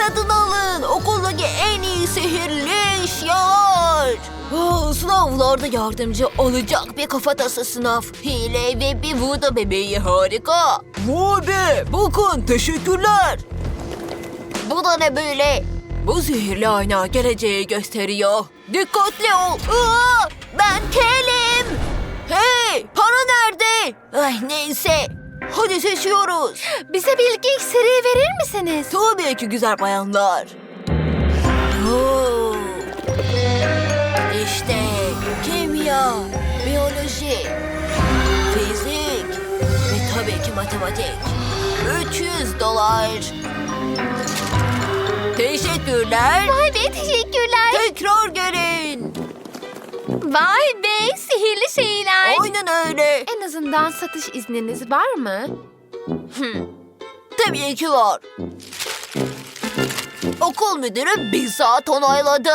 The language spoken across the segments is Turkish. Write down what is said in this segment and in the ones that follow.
Satın alın. Okuldaki en iyi sihirli eşyalar. Sınavlarda yardımcı olacak bir kafatası sınav. Hile ve bir voodoo bebeği harika. Vay be, bakın teşekkürler. Bu da ne böyle? Bu sihirli ayna geleceği gösteriyor. Dikkatli ol. Ben kelim. Hey, para nerede? Ay neyse. Hadi seçiyoruz. Bize bilgi iksiri verir misiniz? Tabii ki güzel bayanlar. Oo. İşte kimya, biyoloji, fizik ve tabii ki matematik. $300. Teşekkürler. Vay be, teşekkürler. Tekrar gelin. Vay be, sihirli şeyler. Aynen öyle. En azından satış izniniz var mı? Tabii ki var. Okul müdürü bir saat onayladı.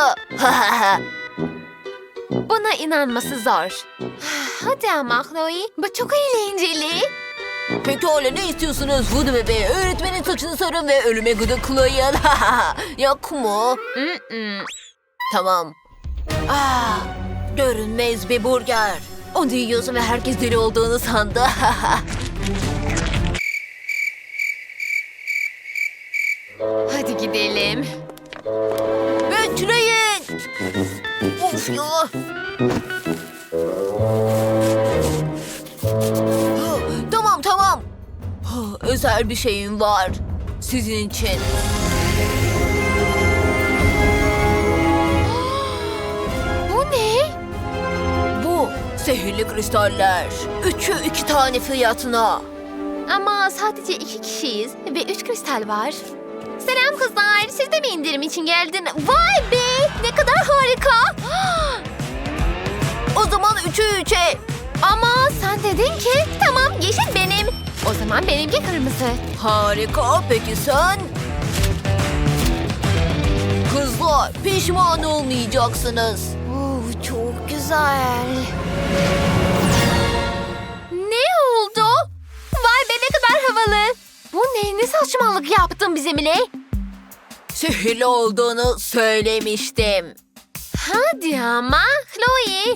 Buna inanması zor. Hadi ama Chloe, bu çok eğlenceli. Pekala ne istiyorsunuz Voodoo bebeği? Öğretmenin saçını sarın ve ölüme gıdıklayın. Yok mu? Tamam. Görünmez bir burger. Onu yiyorsun ve herkes deli olduğunu sandı. Hadi gidelim. Bekleyin. Of ya. Tamam. Özel bir şeyim var. Sizin için. Bu ne? Bu sihirli kristaller. 3'ü 2 tane fiyatına. Ama sadece 2 kişiyiz ve 3 kristal var. Selam kızlar, siz de mi indirim için geldin? Vay be, ne kadar harika. O zaman 3'ü 3'e. Ama sen dedin ki tamam, yeşil benim. O zaman benimki kırmızı. Harika. Peki sen? Kızlar pişman olmayacaksınız. Çok güzel. Ne oldu? Vay be, ne kadar havalı. Bu ne? Ne saçmalık yaptın bizimle? Sihirli olduğunu söylemiştim. Hadi ama Chloe.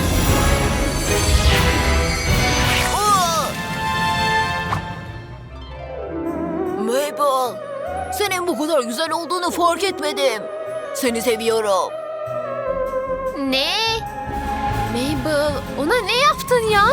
Mabel, senin bu kadar güzel olduğunu fark etmedim. Seni seviyorum. Ne? Mabel, ona ne yaptın ya?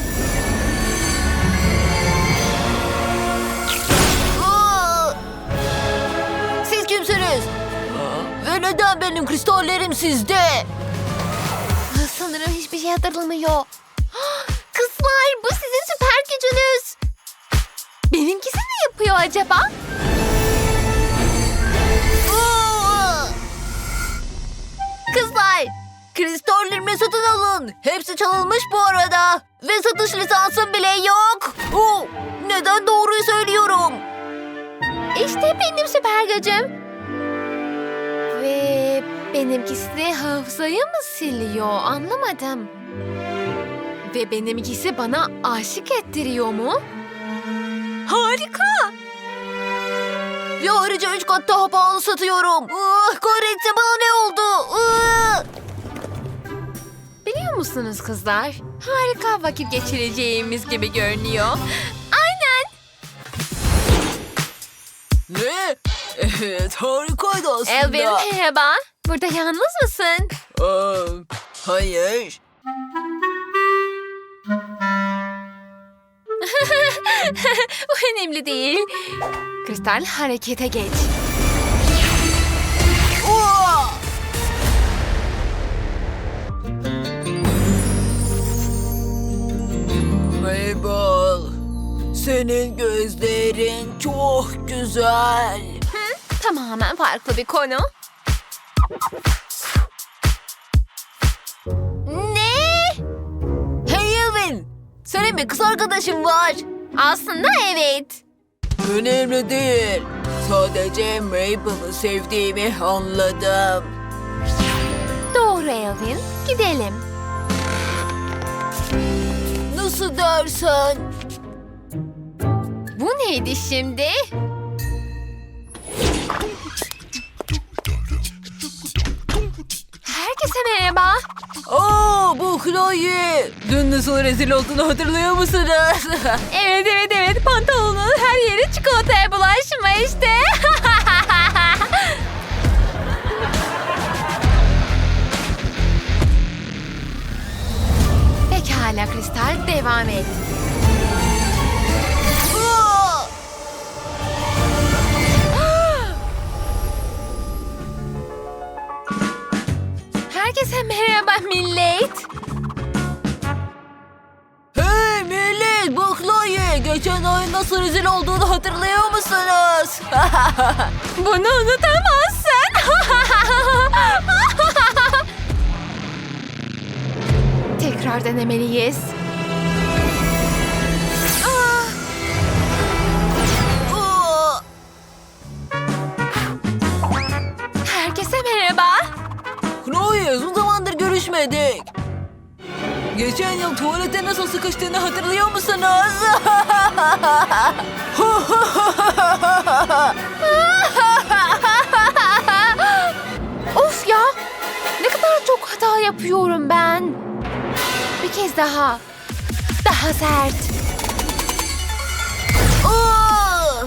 Siz kimsiniz? Ve neden benim kristallerim sizde? Sanırım hiçbir şey hatırlamıyor. Kızlar, bu sizin süper gücünüz. Benimkisi ne yapıyor acaba? Kızlar, kristallerimi satın alın. Hepsi çalınmış bu arada. Ve satış lisansım bile yok. Neden doğruyu söylüyorum? İşte benim süper gücüm. Ve benimkisi de hafızayı mı siliyor? Anlamadım. Ve benimkisi bana aşık ettiriyor mu? Harika. Ve ayrıca 3 kat daha pahalı satıyorum. Kahretsin, bana ne oldu? Biliyor musunuz kızlar? Harika vakit geçireceğimiz gibi görünüyor. Aynen. Ne? Evet, harikaydı aslında. Elvin, merhaba. Burada yalnız mısın? Hayır. Bu önemli değil. Kristal, harekete geç. Mabel, senin gözlerin çok güzel. Tamamen farklı bir konu. Ne? Hey Elvin, senin bir kız arkadaşın var. Aslında evet. Önemli değil. Sadece Mabel'ı sevdiğimi anladım. Doğru Elvin. Gidelim. Nasıl dersen? Bu neydi şimdi? Chloe, dün nasıl rezil olduğunu hatırlıyor musunuz? Evet. Pantolonun her yeri çikolataya bulaşmıştı. Pekala Kristal, devam et. Aa! Herkese merhaba millet. Hey millet, bu Chloe. Geçen ay nasıl rezil olduğunu hatırlıyor musunuz? Bunu unutamazsın. Tekrar denemeliyiz. Aa! Herkese merhaba. Chloe, uzun zamandır görüşmedik. Geçen yıl tuvalete nasıl sıkıştığını hatırlıyor musunuz? Of ya! Ne kadar çok hata yapıyorum ben. Bir kez daha. Daha sert. Aa!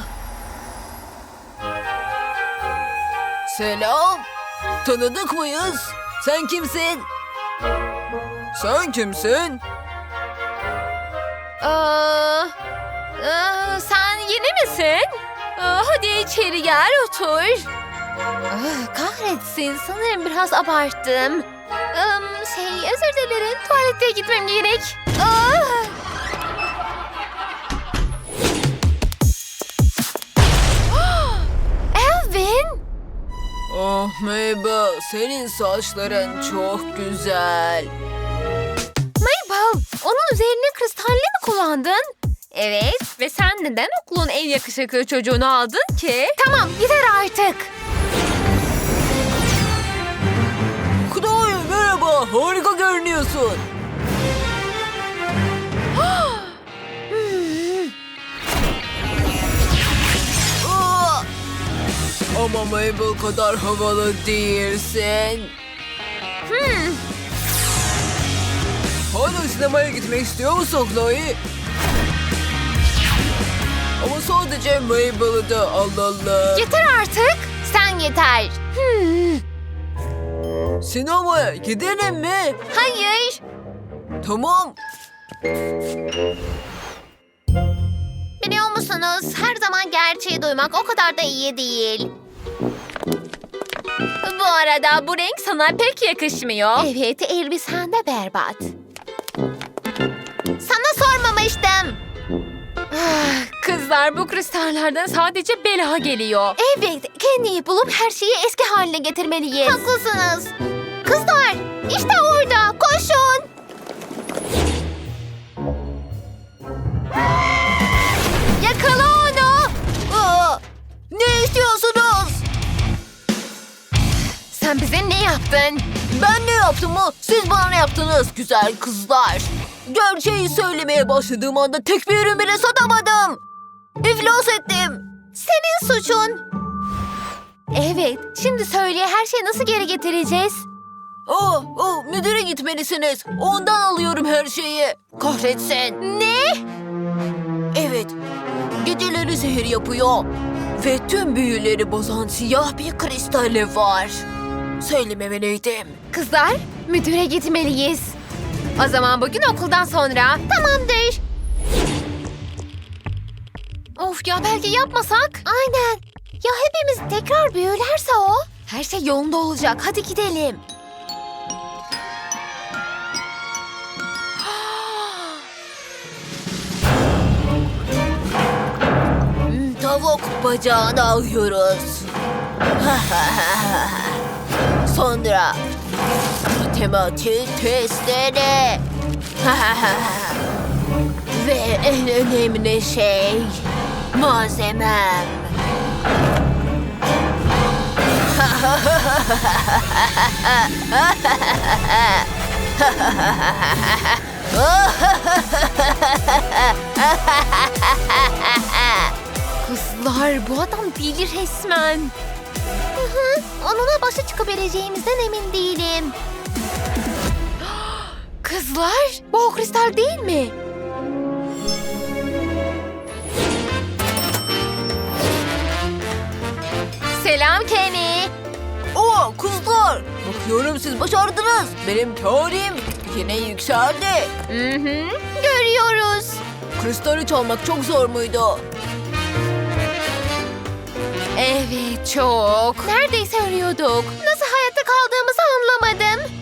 Selam. Tanıdık mıyız? Sen kimsin? Sen kimsin? Sen yeni misin? Hadi içeri gel otur. Kahretsin, sanırım biraz abarttım. Özür dilerim, tuvalete gitmem gerek. Elvin! Oh Mabel, senin saçların çok güzel. Mabel, onun üzerine kristalli mi kullandın? Evet, ve sen neden okulun en yakışıklı çocuğunu aldın ki? Tamam, yeter artık. Chloe merhaba, harika görünüyorsun. Aa! Ama Mabel kadar havalı değilsin. Hala sinemaya gitmek istiyor musun Chloe? Ama sadece Mabel'ı da alalım. Yeter artık. Sen yeter. Sinemaya gidelim mi? Hayır. Tamam. Biliyor musunuz? Her zaman gerçeği duymak o kadar da iyi değil. Bu arada bu renk sana pek yakışmıyor. Evet, elbisen de berbat. Sana sormamıştım. Kızlar, bu kristallerden sadece bela geliyor. Evet, Candy'yi bulup her şeyi eski haline getirmeliyiz. Haklısınız. Kızlar, işte orada. Koşun. Yakala onu. Aa! Ne istiyorsunuz? Sen bize ne yaptın? Ben ne yaptım mı? Siz bana ne yaptınız güzel kızlar? Gerçeği söylemeye başladığım anda tek bir ürün bile satamadım. İflas ettim. Senin suçun. Evet, şimdi söyle, her şeyi nasıl geri getireceğiz? Müdüre gitmelisiniz. Ondan alıyorum her şeyi. Kahretsin. Ne? Evet. Geceleri zehir yapıyor. Ve tüm büyüleri bozan siyah bir kristali var. Söylememeliydim. Kızlar, müdüre gitmeliyiz. O zaman bugün okuldan sonra. Tamamdır. Of ya, belki yapmasak? Aynen. Ya hepimiz tekrar büyülerse o? Her şey yolunda olacak. Hadi gidelim. Tavuk bacağını alıyoruz. Sonra matematik testleri. Ve en önemli şey malzemem. Kızlar, bu adam deli resmen. Onunla başa çıkabileceğimizden emin değilim. Kızlar, bu o kristal değil mi? Selam Kenny. Oo kızlar. Bakıyorum siz başardınız. Benim teorim yine yükseldi. Görüyoruz. Kristali çalmak çok zor muydu? Evet, çok. Neredeyse ölüyorduk. Nasıl hayatta kaldığımızı anlamadım.